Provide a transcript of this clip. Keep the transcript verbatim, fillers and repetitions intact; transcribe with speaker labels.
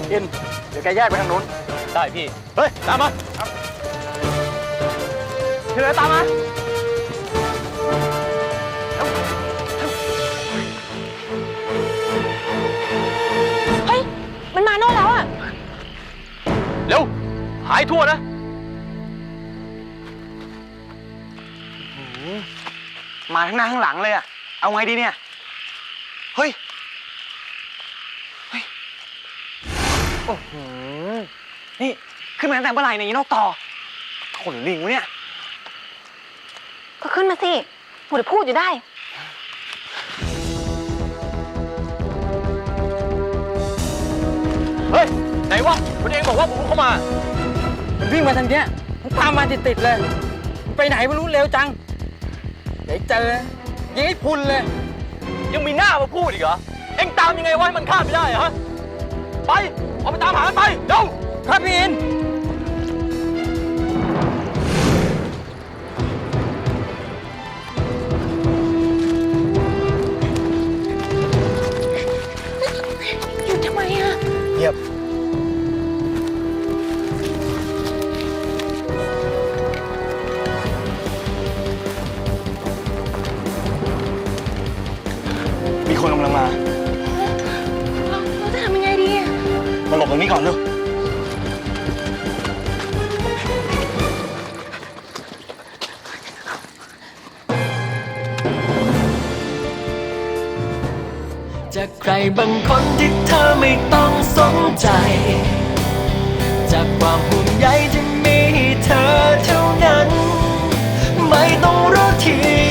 Speaker 1: อินเดี๋ยวแกแยกไปทางนู้นได้พี่เฮ้ยตามมาครับเธอตามมา
Speaker 2: เฮ้ยมันมาโน่นแล้วอะ
Speaker 1: เร็วหายทั่วนะมาทั้งหน้าทั้งหลังเลยอะเอาไงดีเนี่ยเฮ้ยเฮ้ยโอ้โหนี่ขึ้นมาตั้งแต่เมื่อไหร่เนี่ยยีนกต่อขนลิงวะเนี่ย
Speaker 2: ก็ขึ้นมาสิหมดพูดอยู่ได้
Speaker 1: เฮ้ยไหนวะคุณเองบอกว่าผมเข้ามามันวิ่งมาทางเนี้ยมันตามมาติดๆเลยไปไหนไม่รู้เร็วจังเดี๋ยวเจอยิงให้พุนเลยยังมีหน้ามาพูดอีกเหรอเอ็งตามยังไงวะให้มันข้ามไม่ได้ฮะไปเอาไปตามหามันไปเร็วครับพี่อิน
Speaker 2: หยุดทำไมอะ
Speaker 1: เงียบมีคนกำลังมา
Speaker 2: เราเราจะทำยังไงดีอะ
Speaker 1: มาหลบตรงนี้ก่อนเร็ว
Speaker 3: จากใครบางคนที่เธอไม่ต้องสนใจจากความห่วงใยที่มีให้เธอเท่านั้นไม่ต้องรู้ที